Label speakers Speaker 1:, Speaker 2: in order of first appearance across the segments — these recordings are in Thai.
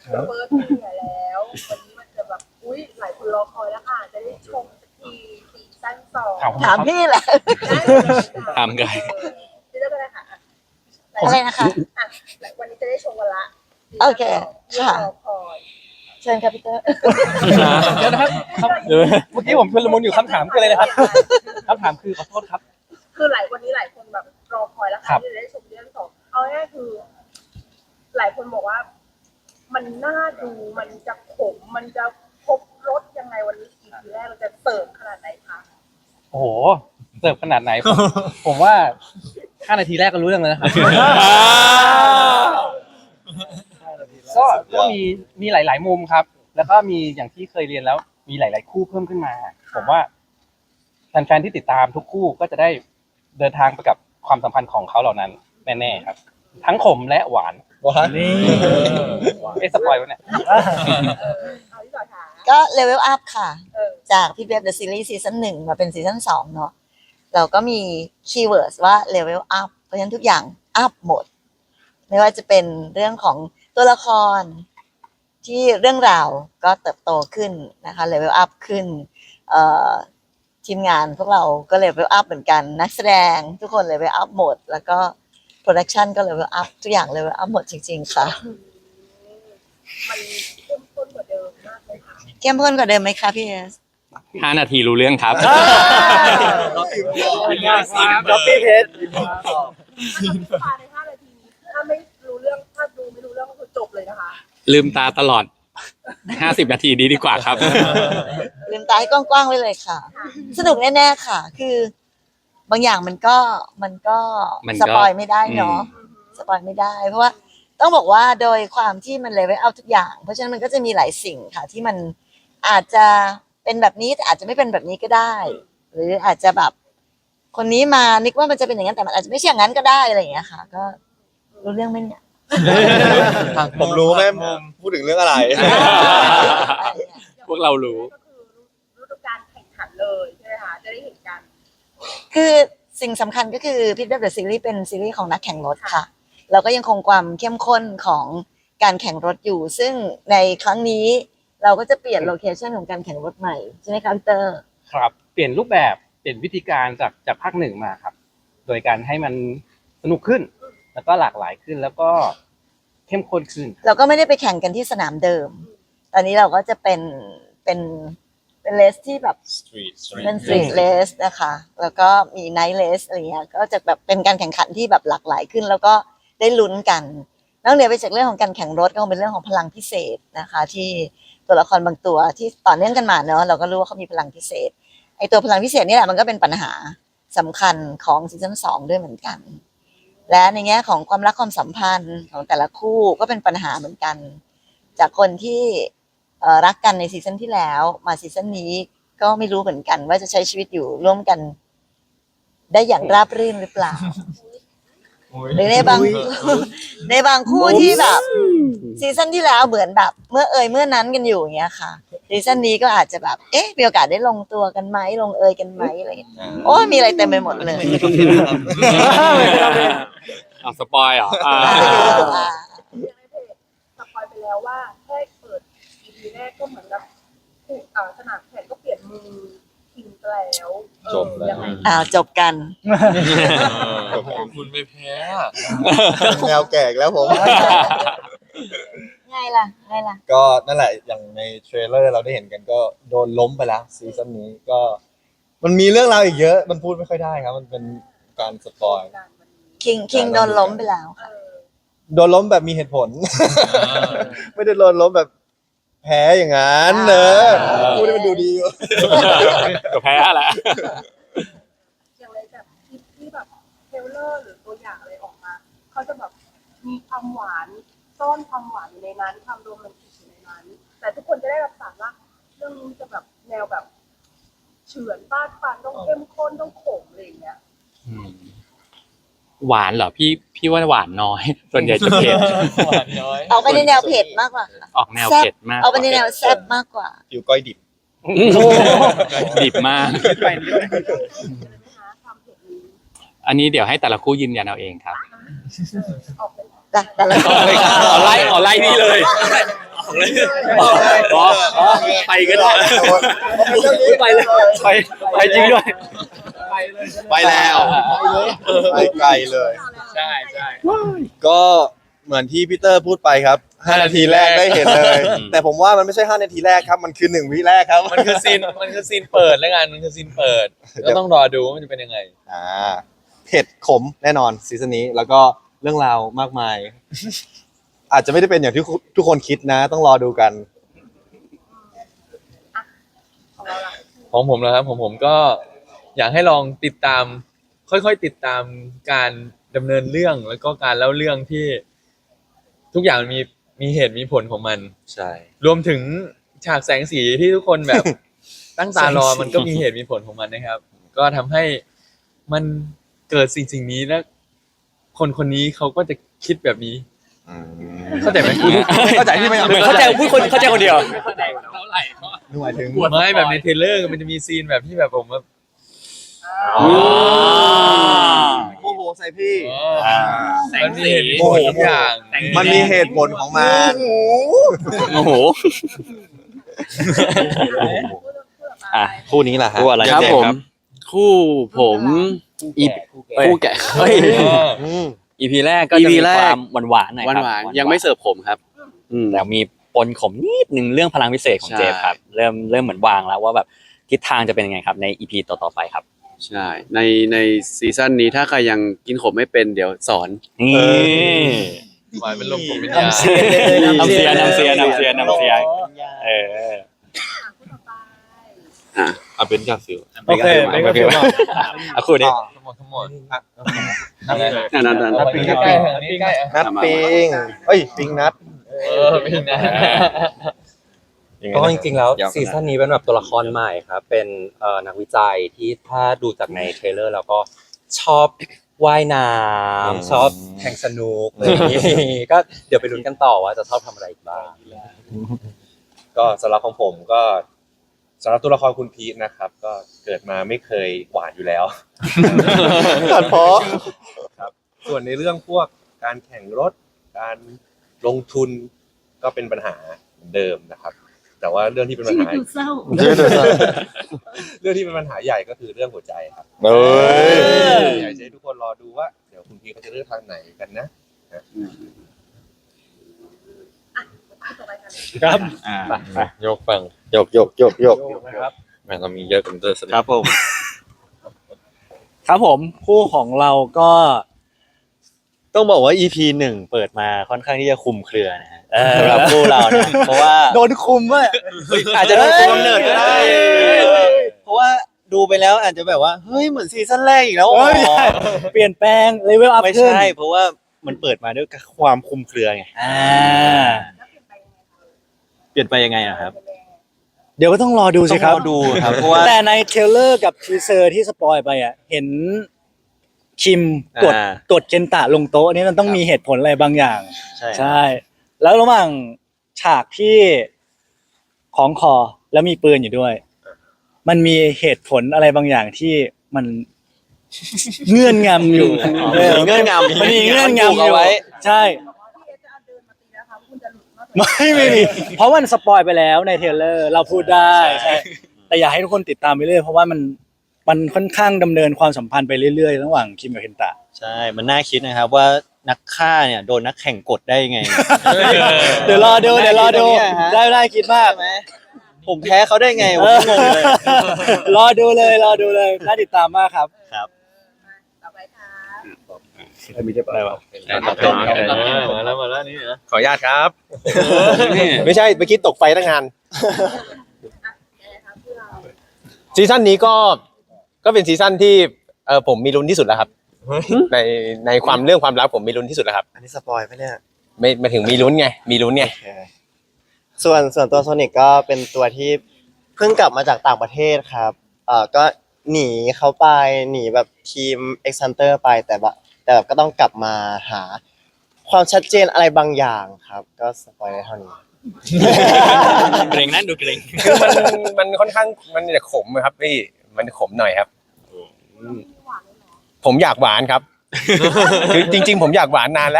Speaker 1: เฟิร์สปีแล้ววันนี้มันจะแบบอุ้ยหลายคนรอคอยแล้วค่ะจะได้ชมสักทีซีซั่น2
Speaker 2: ถามพี่แหละ
Speaker 3: ถามกัน
Speaker 1: เรื่องอะไรค่ะ
Speaker 2: อะไรนะคะ
Speaker 1: อ่ะวันนี้จะได้ชมกันละ
Speaker 2: โอเคค่ะ
Speaker 1: รอคอย
Speaker 2: เชิญครับพี่เตอร์
Speaker 4: เดี๋ยวนะครับเมื่อกี้ผมชุลมุนอยู่คำถามคืออะไรนะครับคำถามคือขอโทษครับ
Speaker 1: คือวันนี้หลายคนแบบรอคอยแล้ว
Speaker 4: ครั
Speaker 1: ค่ะ
Speaker 4: บ
Speaker 1: ที่จะได้ชมเรื่อง2เอาง่ายๆคือ หลายคนบอกว่า มันน่าดูมันจะขมมันจะครบรสยังไงวันนี้ EP แรกเราจะเสิร์ฟขนาดไหนคะ
Speaker 4: โอ้โหเสิร์ฟขนาดไหนผมว่า5 นาทีแรกก็รู้เรื่องแล้วนะครับก็มีหลาย ๆ มุมครับ แล้วก็มีอย่างที่เคยเรียนแล้ว มีหลาย ๆ คู่เพิ่มขึ้นมา ผมว่าแฟนๆที่ติดตามทุกคู่ก็จะได้เดินทางไปกับความสัมพันธ์ของเขาเหล่านั้นแน่ๆครับ ทั้งขมและหวาน
Speaker 5: นี่
Speaker 4: สปอยวะเนี่ย
Speaker 1: เอาที่ต่อค่ะ
Speaker 2: ก็เลเวลอัพค่ะ
Speaker 1: เออ
Speaker 2: จากพี่เบฟเดอะซีรีส์ซีซั่น1มาเป็นซีซั่น2เนาะเราก็มีคีย์เวิร์ดว่าเลเวลอัพเพราะฉะนั้นทุกอย่างอัพหมด ไม่ว่าจะเป็นเรื่องของตัวละครที่เรื่องราวก็เติบโตขึ้นนะคะเลเวลอัพขึ้นทีมงานพวกเราก็เลเวลอัพเหมือนกันนักแสดงทุกคนเลเวลอัพหมด แล้วก็โปรดักชันก็เลเวลอัพทุกอย่างเลเวลอัพหมดจริงๆค่ะ
Speaker 1: มันเข้มข้นกว่าเดิมมากเลยค่ะ
Speaker 2: เข้มข้นกว่าเดิมไหมคะพี่เอส
Speaker 3: 5 นาทีรู้เรื่องครับ
Speaker 5: ด็อปปี้เพชร
Speaker 1: ภายใน5 นาทีนี้ถ้าไม่รู้เรื่องถ้าดูไม่รู้เรื่องก็คือจบเลยนะคะ
Speaker 3: ลืมตาตลอด 50 นาทีดีกว่าครับ
Speaker 2: ลืมตาให้กว้างๆไว้เลยค่ะ สนุกแน่ๆค่ะ คือบางอย่างมันก็
Speaker 3: มันก็
Speaker 2: สปอยไม่ได้เนาะสปอยไม่ได้ เพราะว่าต้องบอกว่าโดยความที่มันเลเวลเอาทุกอย่าง เพราะฉะนั้นมันก็จะมีหลายสิ่งค่ะ ที่มันอาจจะเป็นแบบนี้แต่อาจจะไม่เป็นแบบนี้ก็ได้ หรืออาจจะแบบ คนนี้มานึกว่ามันจะเป็นอย่างนั้นแต่มันอาจจะไม่ใช่อย่างนั้นก็ได้อะไรอย่างเงี้ยค่ะ ก็รู้เรื่องไหมเนี่ย
Speaker 5: ผมรู้แม่พูดถึงเรื่องอะไร
Speaker 3: พวกเรารู้
Speaker 1: ก็คือฤดูกาลแข่งขันเลยใช่ไหมคะจะได้เห็นกัน
Speaker 2: คือสิ่งสำคัญก็คือพิทเดอร์ซีรีส์เป็นซีรีส์ของนักแข่งรถค่ะ เราก็ยังคงความเข้มข้นของการแข่งรถอยู่ ซึ่งในครั้งนี้เราก็จะเปลี่ยนโลเคชันของการแข่งรถใหม่ใช่ไหมคะพี่เตอร์
Speaker 4: ครับเปลี่ยนรูปแบบเปลี่ยนวิธีการจากภาคหนึ่งมาครับ โดยการให้มันสนุกขึ้น แล้วก็หลากหลายขึ้นแล้วก็เข้มข้นขึ้น
Speaker 2: เราก็ไม่ได้ไปแข่งกันที่สนามเดิม ตอนนี้เราก็จะเป็นเลสที่แบบเป็นสตรีทเลสนะคะ แล้วก็มีไนท์เลสอะไรเงี้ยก็จะแบบเป็นการแข่งขันที่แบบหลากหลายขึ้น แล้วก็ได้ลุ้นกันนอกเหนือไปจากเรื่องของการแข่งรถก็คงเป็นเรื่องของพลังพิเศษนะคะ ที่ตัวละครบางตัวที่ต่อเนื่องกันมาเนอะเราก็รู้ว่าเขามีพลังพิเศษไอตัวพลังพิเศษนี่แหละมันก็เป็นปัญหาสำคัญของซีซั่น2ด้วยเหมือนกัน และในแง่ของความรักความสัมพันธ์ของแต่ละคู่ก็เป็นปัญหาเหมือนกัน จากคนที่รักกันในซีซั่นที่แล้วมาซีซั่นนี้ก็ไม่รู้เหมือนกันว่าจะใช้ชีวิตอยู่ร่วมกัน ได้อย่างราบรื่นหรือเปล่าหรือในบางในบางคู่ที่แบบซีซั่นที่แล้วเหมือนแบบเมื่อนั้นกันอยู่อย่างเงี้ยค่ะซีซั่นนี้ก็อาจจะแบบมีโอกาสได้ลงตัวกันไหมลงเอยกันไหมอะไรอย่างเงี้ยโอ้มีอะไรเต็มไปหมดเลย
Speaker 3: เอาสปอยเหรอ
Speaker 1: อย่างในเพจสปอยไปแล้วว่าแค่เปิด EP แรกก็เหมือนกับสนามแข่งก็เปลี่ยนมือทิ้งไปแล้ว
Speaker 5: จบแล้ว
Speaker 1: ยังไง
Speaker 2: จบกัน
Speaker 6: คุณไม่แพ้
Speaker 5: แนวแก่อีกแล้วผม
Speaker 2: ไงล่ะ
Speaker 5: ก็นั่นแหละอย่างในเทรลเลอร์เราได้เห็นกันก็โดนล้มไปแล้วซีซั่นนี้ก็ มันมีเรื่องราวอีกเยอะ มันพูดไม่ค่อยได้ครับ มันเป็นการสปอย
Speaker 1: การวันนี้
Speaker 2: คิงโดนล้มไปแล้ว
Speaker 1: เออ
Speaker 5: โดนล้มแบบมีเหตุผล ไม่ได้โดนล้มแบบแพ้อย่างนั้นเนอะพูดให้มันดูดีอยู่
Speaker 3: ก็แพ้แหละ
Speaker 1: อย่างไรแบบคลิปที่แบบเทรลเลอร์หรือตัวอย่างอะไรออกมาเขาจะแบบมีความหวานซ่อนความหวานอยู่ในนั้นความโรแมนติกอยู่ในนั้น แต่ทุกคนจะได้รับสารว่าเรื่องนี้จะแบบแนวแบบเฉือนฟาดฟันต้องเข้มข้นต้องขมอะไรอย่างเงี้ย
Speaker 3: หวานเหรอพี่ว่าหวานน้อย ส่วนใหญ่จะเผ็ด
Speaker 6: หวานน้อย
Speaker 2: ออกไปในแนวเผ็ดมากกว่าค่ะ
Speaker 3: ออกแนวเผ็ดมาก
Speaker 2: ออกไปในแนวแซ่บมากกว่า
Speaker 5: อยู่ก้อยดิบ
Speaker 3: ดิบมาก
Speaker 4: ไปนิดนึง
Speaker 1: ความเผ็ดนี้
Speaker 3: อันนี้เดี๋ยวให้แต่ละคู่ยืนยันเอาเองครับ
Speaker 1: ออกเป็น
Speaker 2: แต่ละ
Speaker 3: ขอไล่นี่เลยอ๋อไปก็ได้ไปเลยไปจริงด้วย
Speaker 5: ไปแล้วไปไกลเลย
Speaker 3: ใช่ใช่
Speaker 5: ก็เหมือนที่พีเตอร์พูดไปครับ5 นาทีแรกได้เห็นเลย แต่ผมว่ามันไม่ใช่5 นาทีแรกครับมันคือ1 วิแรกครับ
Speaker 6: มันคือซีนเปิดแล้วกันมันคือซีนเปิดก็ต้องรอดูว่ามันจะเป็นยังไง
Speaker 5: เผ็ดขมแน่นอนซีซั่นนี้แล้วก็เรื่องราวมากมาย อาจจะไม่ได้เป็นอย่างที่ทุกคนคิดนะ ต้องรอดูกัน
Speaker 1: ของเราล่ะ
Speaker 6: ของผมนะครับผมก็อยากให้ลองติดตาม ค่อยๆติดตามการดำเนินเรื่องแล้วก็การเล่าเรื่องที่ ทุกอย่างมันมีเหตุมีผลของมัน
Speaker 5: ใช่
Speaker 6: รวมถึงฉากแสงสีที่ทุกคนแบบ ตั้งตารอมันก็มีเหตุมีผลของมันนะครับ ก็ทำให้มันเกิดสิ่งนี้แล้ว คนคนนี้เขาก็จะคิดแบบนี้ เข้าใจไหม
Speaker 5: เข้าใจที่ไม่
Speaker 3: เหมือนเข้าใจพูดคนเข้าใจคนเดียว
Speaker 5: หมายถึง
Speaker 6: ไม่แบบในเทรลเลอร์มันจะมีซีนแบบที่แบบผมแบบ
Speaker 5: โอ้โหใส่พี่
Speaker 6: มันมีเหตุมีผลทุกอย่าง
Speaker 5: มันมีเหตุผลของมัน
Speaker 3: โอ้โห อ่ะ
Speaker 5: คู่นี้แหละฮะ
Speaker 3: คู่อะไรครับผม คู่ผมคู่แกะเฮ้ย EP แรกก็จะมีความหวานๆหน่อยครับ
Speaker 7: หวานๆยังไม่เสิร์ฟผมครับ
Speaker 3: แต่มีปนขมนิดนึงเรื่องพลังพิเศษของ
Speaker 7: ใช่
Speaker 3: เจฟครับ เริ่มเหมือนวางแล้วว่าแบบทิศทางจะเป็นยังไงครับใน EP ต่อๆไปครับ
Speaker 7: ใช่ในซีซั่นนี้ถ้าใครยังกินขมไม่เป็นเดี๋ยวสอน
Speaker 3: นี่
Speaker 6: หวานเป็นลมผมเป็นยา
Speaker 3: น้ำเสียเออ
Speaker 1: คู่ต่อไป
Speaker 5: เอาเป็นกาฟิล
Speaker 4: โอเคไม่ก็เกี่ยว
Speaker 3: เอาคู่นี้
Speaker 6: ทั้งหมด
Speaker 7: นั่น
Speaker 6: นัดปิงใกล้ๆอันนี้ใกล้
Speaker 5: นัดปิงเอ้ยปิงนัด
Speaker 6: ปิงนะ
Speaker 8: ก็จริงๆแล้วซีซั่นนี้เป็นแบบตัวละครใหม่ครับ เป็นนักวิจัยที่ถ้าดูจากในเทรลเลอร์แล้วก็ชอบว่ายน้ำชอบแข่งสนุกอะไรอย่างนี้ก็เดี๋ยวไปลุ้นกันต่อว่าจะชอบทำอะไรอีกบ้าง
Speaker 9: ก็สำหรับของผมก็สำหรับตัวละครคุณพีทนะครับ ก็เกิดมาไม่เคยหวานอยู่แล้ว
Speaker 5: ตัดเพาะ
Speaker 9: ครับส่วนในเรื่องพวกการแข่งรถ การลงทุนก็เป็นปัญหาเหมือนเดิมนะครับ แต่ว่าเรื่องที่เป็นปัญหา เรื่องที่เป็นปัญหาใหญ่ก็คือเรื่องหัวใจครับ
Speaker 5: เอ้ย
Speaker 9: อยากจะให้ทุกคนรอดูว่าเดี๋ยวคุณพีทเขาจะเลือกทางไหนกันนะ
Speaker 1: คู่ต่อไปกัน
Speaker 4: ครับ
Speaker 6: ยกฟัง
Speaker 5: ยก
Speaker 6: แม่เรามีเยอะกันเตอร์ส
Speaker 5: ครับผม
Speaker 10: ครับผมคู่ของเราก็ต้องบอกว่า EP 1เปิดมาค่อนข้างที่จะคุมเครือนะฮะสำหรับคู่เราเนี่ยเพราะว่า
Speaker 2: โดนคุมว่ะ
Speaker 10: อาจจะโดนคุมเนิร์ดก็ได้เพราะว่าดูไปแล้วอาจจะแบบว่าเฮ้ยเหมือนซีซั่นแรกอีกแล้วอ๋อ
Speaker 2: เปลี่ยนแปลงเลเวลอัพ
Speaker 10: ไม่
Speaker 2: ขึ้น
Speaker 10: ใช่เพราะว่ามันเปิดมาด้วยความคุมเครือไง
Speaker 1: แล้วเปลี่ยนไปยังไงคะ
Speaker 10: เปลี่ยนไปยังไงอะครับ
Speaker 2: เดี๋ยวก็ต้องรอดูสิครับ
Speaker 10: ต้องรอดูครับเพราะว่า
Speaker 2: แต่ในเทรลเลอร์กับทีเซอร์ที่สปอยไปอ่ะเห็นคิมกด
Speaker 10: อ่าก
Speaker 2: ดเคนตะลงโต๊ะนี่มันต้องมีเหตุผลอะไรบางอย่าง
Speaker 10: ใช่
Speaker 2: ใช่ แล้วระหว่างฉากที่ของคอแล้วมีปืนอยู่ด้วย มันมีเหตุผลอะไรบางอย่างที่มัน เงื่อนงำอยู่
Speaker 10: เงื่อนงำ
Speaker 2: มันมีเงื่อนงำอ
Speaker 10: เอา
Speaker 2: ยู่
Speaker 10: ไว้
Speaker 2: ใช่
Speaker 1: พี่เอจะเอาเดินมาตีนะคะว่าคุณจะหลุดมากกว่า
Speaker 2: ไม่มีเพราะมันสปอยไปแล้วในเทรลเลอร์เราพูดได้ใช่แต่อยากให้ทุกคนติดตามไปเรื่อยเพราะว่ามันค่อนข้างดำเนินความสัมพันธ์ไปเรื่อยๆระหว่างคิมกับเคนตะ
Speaker 10: ใช่ มันน่าคิดนะครับว่านักฆ่าเนี่ยโดนนักแข่งกดได้ยังไง
Speaker 2: เดี๋ยวรอดูได้คิดมาก
Speaker 10: ผมแพ้เขาได้ไงผมก็งงเลย
Speaker 2: รอดูเลยน่าติดตามมากครับ
Speaker 1: ต่อไปค่ะ
Speaker 10: อะไรวะ
Speaker 6: มาแล้วนี่นะ
Speaker 9: ขออนุญาตครับ
Speaker 3: นี่
Speaker 9: ไม่ใช่เมื่อกี้ตกไฟตั้งงาน
Speaker 1: ยังไงคะเพื่อเรา
Speaker 9: ซีซั่นนี้ก็เป็นซีซั่นที่ผมมีลุ้นที่สุดแล้วครับ ในความเรื่องความรักผมมีลุ้นที่สุดแล้วครับ
Speaker 5: อันนี้สปอยไหมเนี่ย
Speaker 9: ไม่ถึงมีลุ้นไงมีลุ้นไง
Speaker 5: ส่วนตัวโซนิกก็เป็นตัวที่เพิ่งกลับมาจากต่างประเทศครับก็หนีเขาไปหนีแบบทีม X Hunter ไปแต่แบบก็ต้องกลับมาหาความชัดเจนอะไรบางอย่างครับ ก็สปอยได้เท่านี้
Speaker 3: เกรงนั่นดูเกรง
Speaker 9: คือมันค่อนข้างมันจะขมครับพี่มันขมหน่อยครับ ผมอยากหวานครับ คือจริง ๆ ผมอยากหวานนานแล้ว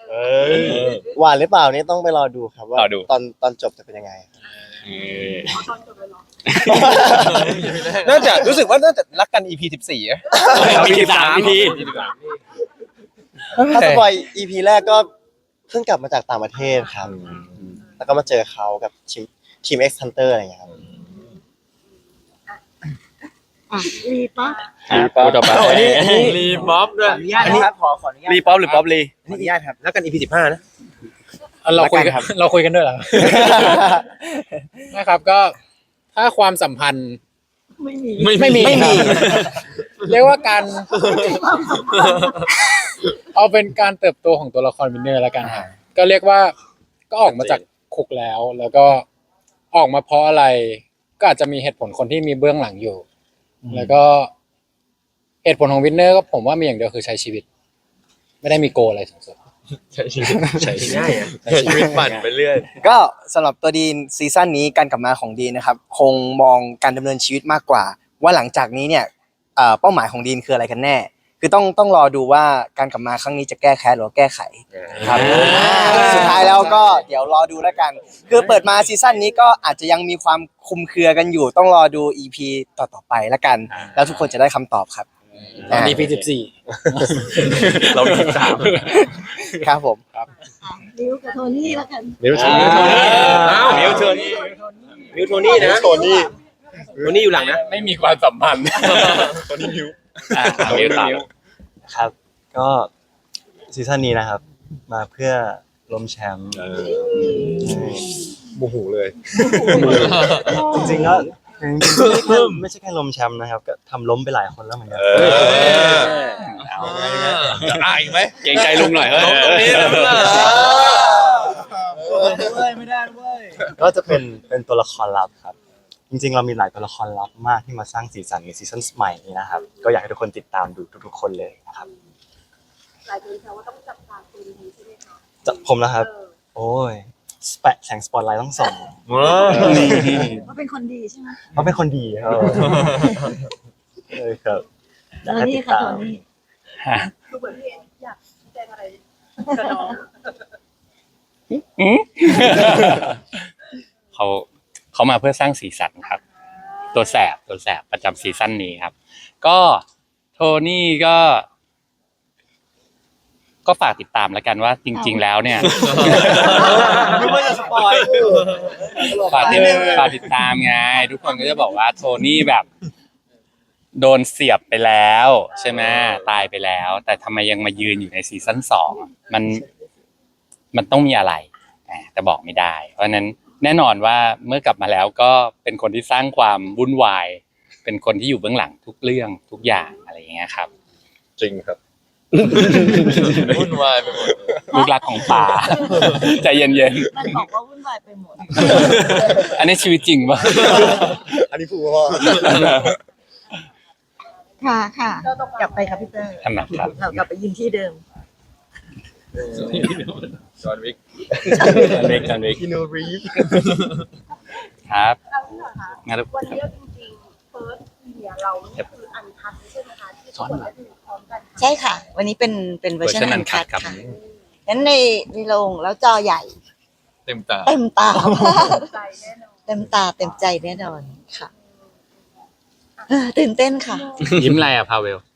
Speaker 5: หวานหรือเปล่านี่ต้องไปรอดูครับว่าร
Speaker 3: อดู
Speaker 5: ตอนจบจะเป็นยังไง
Speaker 1: เอาตอนจบเลยเหรอ
Speaker 4: น่าจะรู้สึกว่าน่าจะรักกัน EP 14อะ
Speaker 3: มี13 EP
Speaker 5: ถ้าสปอย EP แรกก็เพิ่งกลับมาจากต่างประเทศครับ แล้วก็มาเจอเขากับทีม X Hunter อะไรอย่างเงี้ยครับ
Speaker 2: รีป๊อป
Speaker 3: พูดต่อไป
Speaker 6: รีบ๊อบด้วย
Speaker 8: อนุญาตนะครับขออนุญาต
Speaker 3: รีป๊อปหรือป๊อปลี
Speaker 8: ขออนุญาตครับแล้วกัน EP 15นะ
Speaker 4: เราคุยกัน
Speaker 8: รักกันครับ
Speaker 4: เราคุยกันด้วยเหรอ นะครับก็ถ้าความสัมพันธ์
Speaker 2: ไม่มี
Speaker 4: ไม่มีครับเรียกว่าการเอาเป็นการเติบโตของตัวละครวินเนอร์แล้วกันครับก็เรียกว่าก็ออกมาจากคุกแล้วก็ออกมาเพราะอะไร ก็อาจจะมีเหตุผลคนที่มีเบื้องหลังอยู่ แล้วก็เหตุผลของวินเนอร์ก็ผมว่ามีอย่างเดียวคือใช้ชีวิต ไม่ได้มีโกลอะไรสูงสุด
Speaker 6: ใช้ชีวิต
Speaker 8: ง่ายอะ
Speaker 6: ใช้ชีวิตปั่นไปเรื่อย
Speaker 11: ก็สำหรับตัวดีนซีซั่นนี้การกลับมาของดีนนะครับคงมองการดำเนินชีวิตมากกว่า ว่าหลังจากนี้เนี่ยเป้าหมายของดีนคืออะไรกันแน่ คือต้องรอดูว่าการกลับมาครั้งนี้จะแก้แค้นหรือว่าแก้ไขครับสุดท้ายแล้วก็เดี๋ยวรอดูแล้วกัน คือเปิดมาซีซั่นนี้ก็อาจจะยังมีความคลุมเครือกันอยู่ ต้องรอดู EP ต่อไปแล้วกัน แล้วทุกคนจะได้คำตอบครับ
Speaker 4: EP 14
Speaker 3: เรามี13
Speaker 11: ครับผม
Speaker 2: ริวกับโทนี่แล้วกัน
Speaker 9: มิวโทนี่
Speaker 3: มิวโทนี่
Speaker 8: มิวโทนี่นะโทนี่อยู่หลังนะ
Speaker 4: ไม่มีความสัมพันธ์
Speaker 3: มิวตาม
Speaker 10: ครับ ก็ซีซั่นนี้นะครับ มาเพื่อล้มแชมป์
Speaker 9: โมโหเลย
Speaker 10: จริงๆก็ไม่ใช่แค่ล้มแชมป์นะครับ ก็ทำล้มไปหลายคนแล้วเหมือนกัน
Speaker 3: เอาจะอายไหมเกรงใจลุงหน่อยเฮ้ย
Speaker 6: ตรงนี้เลยมั้ยล่ะ
Speaker 10: ก็จะเป็นตัวละครลับครับ จริงๆ เรามีหลายตัวละครลับมากที่มาสร้างสีสันในซีซั่นใหม่นี้นะครับ ก็อยากให้ทุกคนติดตามดูทุกๆคนเลยนะครับ
Speaker 1: หลายคนแซวว่าต้องจับตาตัวดีใช่ไหมคะ
Speaker 10: จะผมนะครับ โอ้ยแปะแสงสปอตไลท์ต้องส่อง
Speaker 2: ว่าเป็นคนดีใช่ไหม
Speaker 10: เพราะเป็นคนดีครับครับ
Speaker 2: โทนี่ค่ะโทนี่
Speaker 1: คือเหมือนพี่เอ็นอยากชี้แจงอะไรกับน้อง
Speaker 4: เขามาเพื่อสร้างสีสันครับ ตัวแสบประจำซีซั่นนี้ครับ ก็โทนี่ก็ฝากติดตามแล้วกันว่าจริง ๆ แล้วเนี่ย
Speaker 10: ไม่ว่าจะสปอย
Speaker 4: ฝากติดตามไงทุกคนก็จะบอกว่าโทนี่แบบ โดนเสียบไปแล้วใช่ไหมตายไปแล้ว แต่ทำไมยังมายืนอยู่ในซีซั่น2มันต้องมีอะไรแต่บอกไม่ได้ เพราะฉะนั้นแน่นอนว่าเมื่อกลับมาแล้วก็เป็นคนที่สร้างความวุ่นวาย เป็นคนที่อยู่เบื้องหลังทุกเรื่องทุกอย่างอะไรอย่างเงี้ยครับ
Speaker 9: จริงครับ
Speaker 6: วุ่นวายไปหมด
Speaker 4: ลูกรักของป่า ใจเย็น
Speaker 2: มันบอกว่าวุ่นวายไปหมด
Speaker 4: ๆอันนี้ชีวิตจริงป่ะ
Speaker 5: อันนี้พูดว่า
Speaker 2: ค่ะกลับไปครับพี่เตอร์
Speaker 4: ทำไมครับ
Speaker 2: เรากลับไปยืนที่เดิม
Speaker 6: จอห์นวิก
Speaker 4: จันเวก
Speaker 5: คินูรีฟ
Speaker 4: ครับ
Speaker 1: เอาที่หน่อยค่ะ
Speaker 4: งั้น
Speaker 1: วันนี้จริงๆเฟิร์สเนี่ยเรานี่คืออันคัดใช่ไหมคะที่ทุกคนได้ดูพร้อมกัน
Speaker 2: ใช่ค่ะ วันนี้เป็นเวอร์ชัน
Speaker 4: Version
Speaker 2: อันคัด
Speaker 4: Uncut ครับ
Speaker 2: ค่ะงั้นในโรงแล้วจอใหญ่
Speaker 6: เต็มตา
Speaker 2: เต็มตา
Speaker 1: ใจแน่นอน
Speaker 2: เต็มตาเต็มใจแน่นอนค่ะตื่นเต้นค่ะ
Speaker 4: ยิ้มอะไรอ่ะพาเวล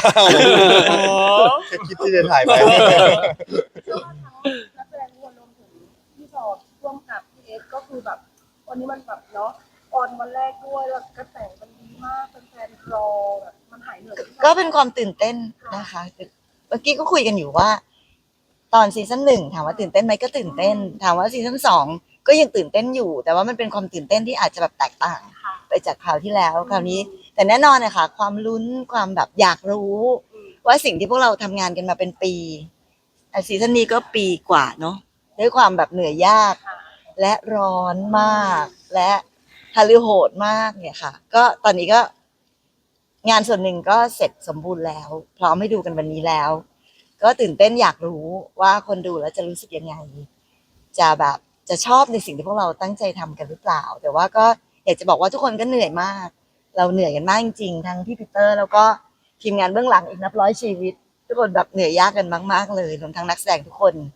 Speaker 5: แค่คิดที่จะถ่ายไป
Speaker 1: เชื่อว่าทั้งนักแสดงทุกคนรวมถึงพี่สอบร่วมกับพี่เอสก็คือแบบวันนี้มันแบบเนาะออนวันแรกด้วยแล้วกระแสมันดีมากแฟนๆรอแบบมันหายเหนื่อย
Speaker 2: ก็เป็นความตื่นเต้นนะคะเมื่อกี้ก็คุยกันอยู่ว่า ตอนซีซั่น1ถามว่าตื่นเต้นไหมก็ตื่นเต้น ถามว่าซีซั่น2ก็ยังตื่นเต้นอยู่ แต่ว่ามันเป็นความตื่นเต้นที่อาจจะแบบแตกต่าง ไปจากคราวที่แล้วคราวนี้ แต่แน่นอนนะคะความลุ้นความแบบอยากรู้ ว่าสิ่งที่พวกเราทำงานกันมาเป็นปีซีซั่นนี้ก็ปีกว่าเนาะด้วยความแบบเหนื่อยยาก และร้อนมาก และฮาลือโหดมากเนี่ยค่ะ ก็ตอนนี้ก็งานส่วนหนึ่งก็เสร็จสมบูรณ์แล้ว พร้อมให้ดูกันวันนี้แล้ว ก็ตื่นเต้นอยากรู้ว่าคนดูแล้วจะรู้สึกยังไง จะชอบในสิ่งที่พวกเราตั้งใจทำกันหรือเปล่า แต่ว่าก็อยากจะบอกว่าทุกคนก็เหนื่อยมาก เราเหนื่อยกันมากจริงๆทั้งพี่ปีเตอร์แล้วก็ทีมงานเบื้องหลังอีกนับร้อยชีวิต ทุกคนแบบเหนื่อยยากกันมากๆเลยรวมทั้งนักแสดงทุกคน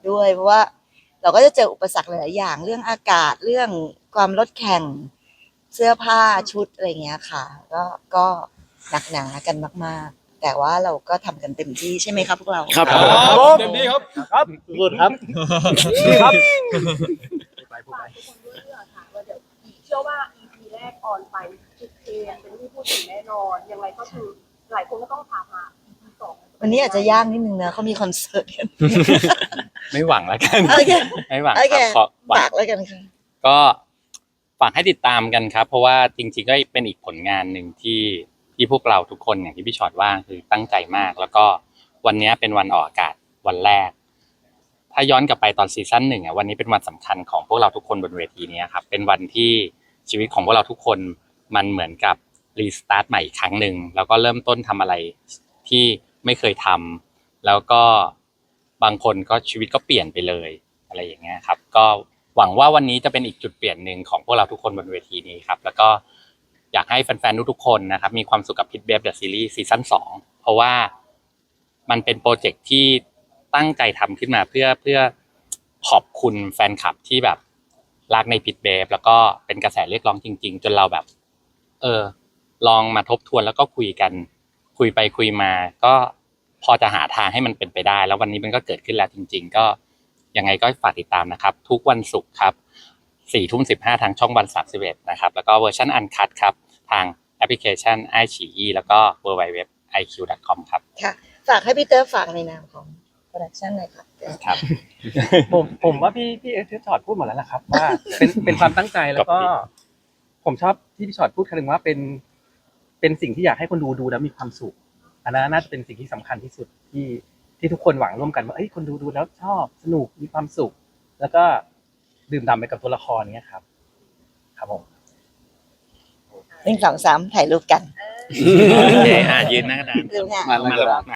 Speaker 2: ด้วย เพราะว่าเราก็จะเจออุปสรรคหลายๆอย่างเรื่องอากาศเรื่องความรถแข่งเสื้อผ้าชุดอะไรเงี้ยค่ะ ก็หนักหนากันมากๆ แต่ว่าเราก็ทำกันเต็มที่ใช่ไหมครับพวกเรา
Speaker 3: ครับ
Speaker 6: เต็มที่ครับ
Speaker 10: ครับพูดครับ
Speaker 4: ครับ
Speaker 1: ฝากทุกคนด้วยเรื่องค่ะว่าเดี๋ยวเชื่อว่า EP แรกออนไปจุดเทนเป็นที่พูดถึงแน่นอนยังไงก็คือหลายคนก็ต้องถามหา EP 2
Speaker 2: วันนี้อาจจะยากนิดนึงนะเขามีคอนเสิร์ตกัน
Speaker 4: ไม่หวังแล้วกัน
Speaker 2: โอเค
Speaker 4: ไม่หวัง
Speaker 2: โอ
Speaker 4: ค
Speaker 2: เครับ
Speaker 4: ขอหวัง
Speaker 2: ฝากแล้วกันค่ะ
Speaker 4: ก็ฝากให้ติดตามกันครับ เพราะว่าจริงๆก็เป็นอีกผลงานหนึ่งที่พวกเราทุกคนอย่างที่พี่ชอตว่าคือตั้งใจมาก แล้วก็วันนี้เป็นวันออกอากาศวันแรก ถ้าย้อนกลับไปตอนซีซั่น1อ่ะวันนี้เป็นวันสำคัญของพวกเราทุกคนบนเวทีนี้ครับเป็นวันที่ชีวิตของพวกเราทุกคนมันเหมือนกับรีสตาร์ทใหม่อีกครั้งหนึ่งแล้วก็เริ่มต้นทำอะไรที่ไม่เคยทำแล้วก็บางคนก็ชีวิตก็เปลี่ยนไปเลยอะไรอย่างเงี้ยครับก็หวังว่าวันนี้จะเป็นอีกจุดเปลี่ยนหนึ่งของพวกเราทุกคนบนเวทีนี้ครับแล้วก็อยากให้แฟนๆทุกๆคนนะครับมีความสุขกับ Pit Babe The Series ซีซั่น2เพราะว่ามันเป็นโปรเจกต์ที่ตั้งใจทำขึ้นมาเพื่อขอบคุณแฟนคลับที่แบบรักใน Pit Babe แล้วก็เป็นกระแสเรียกร้องจริงๆจนเราแบบลองมาทบทวนแล้วก็คุยกันคุยไปคุยมาก็พอจะหาทางให้มันเป็นไปได้แล้ววันนี้มันก็เกิดขึ้นแล้วจริงๆก็ยังไงก็ฝากติดตามนะครับทุกวันศุกร์ครับ 4:15 ทางช่องวัน31นะครับแล้วก็เวอร์ชันอันคัทครับทางแอปพลิเคชัน iQIYI แล้วก็ www.iq.com ครับ
Speaker 2: ค่ะ ฝากให้พี่เตอร์ฝากในนามของโปรดักชั่นหน่อยค่ะ
Speaker 4: ครับ ผมว่าพี่เอสชอตพูดหมดแล้วล่ะครับว่าเป็นความตั้งใจแล้วก็ ผมชอบที่พี่ชอตพูดคำนึงว่าเป็นสิ่งที่อยากให้คนดูแล้วมีความสุขอันนั้นน่าจะเป็นสิ่งที่สำคัญที่สุดที่ทุกคนหวังร่วมกันว่าเอ้ยคนดูแล้วชอบสนุกมีความสุข แล้วก็ดื่มด่ำไปกับตัวละครเนี้ยครับครับผม
Speaker 2: 1 2 3ถ่ายรูปกัน
Speaker 3: โอเคยืนหน้ากระดาน
Speaker 2: ดูค่ะ
Speaker 3: มา